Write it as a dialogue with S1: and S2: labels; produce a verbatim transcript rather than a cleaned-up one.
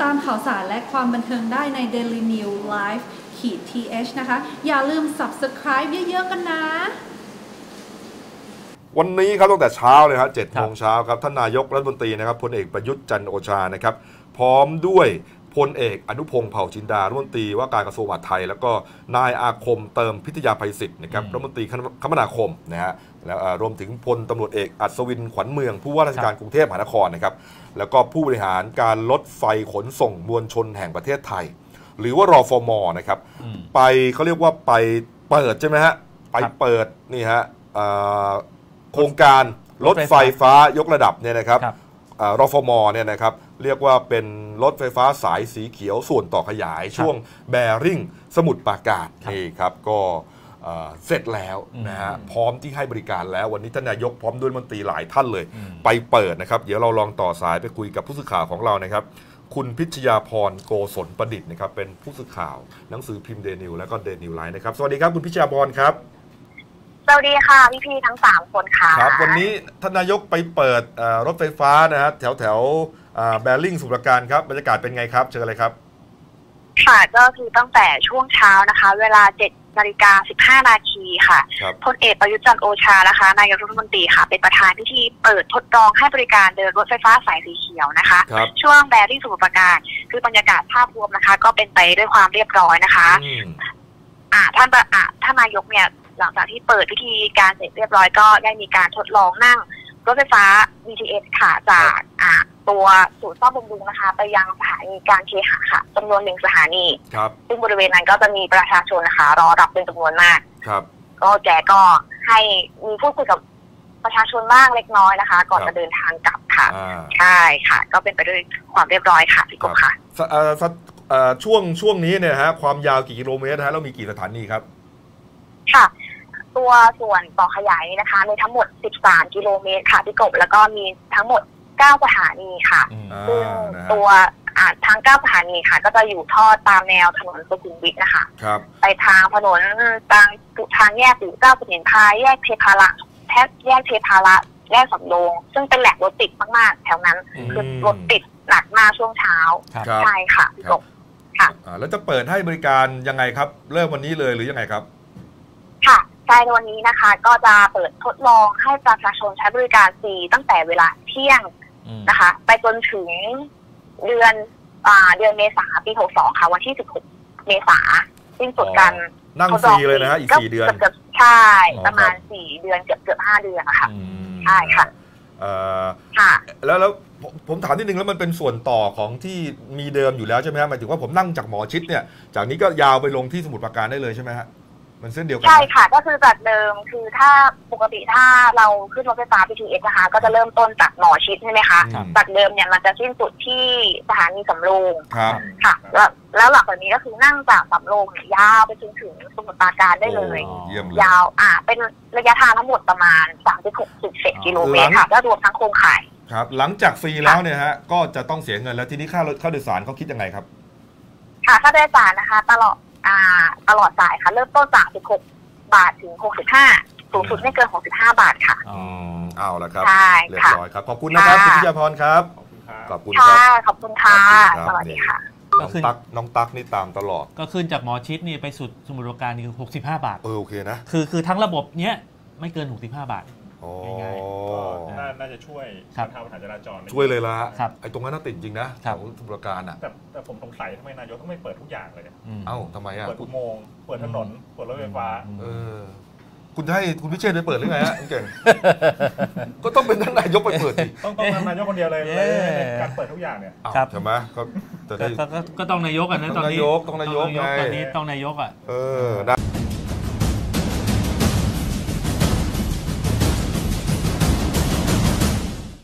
S1: ตามข่าวสารและความบันเทิงได้ใน Daily News Live ขีด ที เอช นะคะอย่าลืม Subscribe เยอะๆกันนะ
S2: วันนี้ครับตั้งแต่เช้าเลยครับเจ็ดโมงเช้าครับท่านนายกรัฐมนตรีนะครับพลเอกประยุทธ์จันทร์โอชานะครับพร้อมด้วยพลเอกอนุพงษ์เผ่าจินดารัฐมนตรีว่าการกระทรวงมหาดไทยแล้วก็นายอาคมเติมพิทยาภัยศิษย์นะครับรัฐมนตรีคมนาคมนะฮะแล้วรวมถึงพลตำรวจเอกอัศวินขวัญเมืองผู้ว่าราชการกรุงเทพมหานครนะครับแล้วก็ผู้บริหารการรถไฟขนส่งมวลชนแห่งประเทศไทยหรือว่ารฟม.นะครับไปเขาเรียกว่าไปเปิดใช่ไหมฮะไปเปิดนี่ฮะโครงการรถไฟฟ้ายกระดับเนี่ยนะครับรฟม.เนี่ยนะครับเรียกว่าเป็นรถไฟฟ้าสายสีเขียวส่วนต่อขยายช่วงแบริ่งสมุทรปราการนี่ครับก็เสร็จแล้วนะฮะพร้อมที่ให้บริการแล้ววันนี้ท่านนายกพร้อมด้วยรัฐมนตรีหลายท่านเลยไปเปิดนะครับเดี๋ยวเราลองต่อสายไปคุยกับผู้สื่อข่าวของเรานะครับคุณพิชยาพรโกศลประดิษฐ์นะครับเป็นผู้สื่อข่าวหนังสือพิมพ์เดนิวและก็เดนิวไลน์นะครับสวัสดีครับคุณพิชยาพรครับ
S3: สวัสดีค่ะพี่ๆทั้งสามคนค่ะ
S2: ครับวันนี้ท่านนายกไปเปิดรถไฟฟ้านะฮะแถวแถวแบริ่งสมุทรปราการครับบรรยากาศเป็นไงครับเชิญเลยครับ
S3: ค่ะก็คือตั้งแต่ช่วงเช้านะคะเวลาเจ็ดนาฬิกาสิบห้านาทีค่ะพลเอกประยุทธ์จันทร์โอชานะคะนายกรัฐมนตรีค่ะเป็นประธานพิธีเปิดทดลองให้บริการเดินรถไฟฟ้าสายสีเขียวนะคะช่วงแบริ่งสมุทรปราการคือบรรยากาศภาพรวมนะคะก็เป็นไปด้วยความเรียบร้อยนะคะอ่าท่านอ่าท่านนายกเนี่ยหลังจากที่เปิดพิธีการเสร็จเรียบร้อยก็ได้มีการทดลองนั่งรถไฟฟ้า บี ที เอส ค่ะจากอ่าตัวศูนย์ซ่อมบำรุงนะคะไปยังสถานีการเคหะค่ะจำนวนหนึ่งสถานีซึ่งบริเวณนั้นก็จะมีประชาชนนะคะรอรับเป็นจำนวนมากก็แกก็ให้มีพูดคุยกับประชาชนบ้างเล็กน้อยนะคะก่อนจะเดินทางกลับค่ะใช่ค่ะก็เป็นไปด้วยความเรียบร้อยค่ะพี่กบค่ะ
S2: ช่วงช่วงนี้เนี่ยฮะความยาวกี่กิโลเมตรฮะแล้วมีกี่สถานีครับ
S3: ค่ะตัวส่วนต่อขยายนะคะมีทั้งหมดสิบสามกิโลเมตรค่ะพี่กบแล้วก็มีทั้งหมดเก้าสถานีค่ะซึ่งตัวทั้งเก้าสถานีค่ะก็จะอยู่ทอดตามแนวถนนสุขุมวิทนะคะไปทางถนนทางทางแยกปู่เจ้าสุนินทราแยกเทพารักษ์แทบแยกเทพารักษ์แยกสำโรงซึ่งเป็นแหล่งรถติดมากๆแถวนั้นคือรถติดหนักมากช่วงเช้าใช่ค่ะพี่กบค่ะ
S2: แล้วจะเปิดให้บริการยังไงครับเริ่มวันนี้เลยหรือยังไงครับ
S3: ค่ะในวันนี้นะคะก็จะเปิดทดลองให้ประชาชนใช้บริการฟรีตั้งแต่เวลาเที่ยงนะคะไปจนถึงเดือนอ่าเดือนเมษาปีหกสิบสองค่ะวันที่สิบหกเมษาสิ้นสุดการ
S2: นั่งฟรีเลยนะฮะอีกสี่เดือน
S3: ใช่ประมาณสี่เดือนเกือบเกือบห้าเดือนนะคะใช่ค่ะ
S2: ค่ะแล้วแล้วผมถามนิดนึงแล้วมันเป็นส่วนต่อของที่มีเดิมอยู่แล้วใช่ไหมฮะหมายถึงว่าผมนั่งจากหมอชิดเนี่ยจากนี้ก็ยาวไปลงที่สมุทรปราการได้เลยใช่ไหมฮะมันเส้นเดียวกัน
S3: ใช่ค่ะก็คือจากเดิมคือถ้าปกติถ้าเราขึ้นรถไฟฟ้า บี ที เอส นะคะก็จะเริ่มต้นจากหมอชิดใช่ไหมคะจากเดิมเนี่ยมันจะสิ้นสุดที่สถานีสำโรงค่ะแล้วแล้วหลังจากนี้ก็คือนั่งจากสำโรงเนี่ยยาวไปจนถึงสมุทรปราการได้เลยยาวอ่าเป็นระยะทางทั้งหมดประมาณ สามสิบหกจุดเจ็ด กิโลเมตรค่ะแล้วรวมทั้งโครงข่าย
S2: ครับหลังจากฟรีแล้วเนี่ยฮะก็จะต้องเสียเงินแล้วทีนี้ค่ารถค่าโดยสารเขาคิดยังไงครับ
S3: ค่ะค่าโดยสารนะคะตลอดอ่าตลอดสายค่ะเริ่มต้นจากสิบหกบาทถึงหกสิบห้าสูงสุดไม่เกินหกสิบห้าบาทค่ะ
S2: อืมเอาละครับ
S3: ใช่
S2: เรียบร้อยครับขอบคุณนะครับคุณพิยาพรครับ
S3: ขอบคุณครับขอบคุณค่ะสวัสดีค่ะ
S2: น้องตั๊กน้องตั๊กนี่ตามตลอด
S4: ก็ขึ้นจากหมอชิดนี่ไปสุดสมุทรปราการนี่คือหกสิบห้าบาท
S2: เออโอเคนะ
S4: คือคือทั้งระบบเนี้ยไม่เกินหกสิบห้าบาท
S5: ง่ายๆน่าจะช่วยบรรเทาปัญหาจราจร
S2: ช่วยเลยละไอ้ตรงนั้นน่าติดจริงนะของสมุทรปราการอ่ะ
S5: แต่แต่ผมสงสัยทำไมนายกต้องไม่เปิดทุกอย่างเลย
S2: เอ้าทำไมอ่ะ
S5: เปิดอุโมงค์เปิดถนนเปิดรถไฟฟ้า
S2: เออคุณให้คุณพิเชษฐ์ไปเปิดหรือไงฮะเก่งก็ต้องเป็นท่านนายกไปเปิดสิ
S5: ต้องต้องนายกคนเดียวเลยการเปิดทุกอย่างเนี่ย
S2: ใช่ไหมก็
S4: ก็ต้องนายกอ่ะนะตอนนี้
S2: ต้องนายกต้องนายกไง
S4: ตอนนี้ต้องนายกอ่ะ
S2: เออ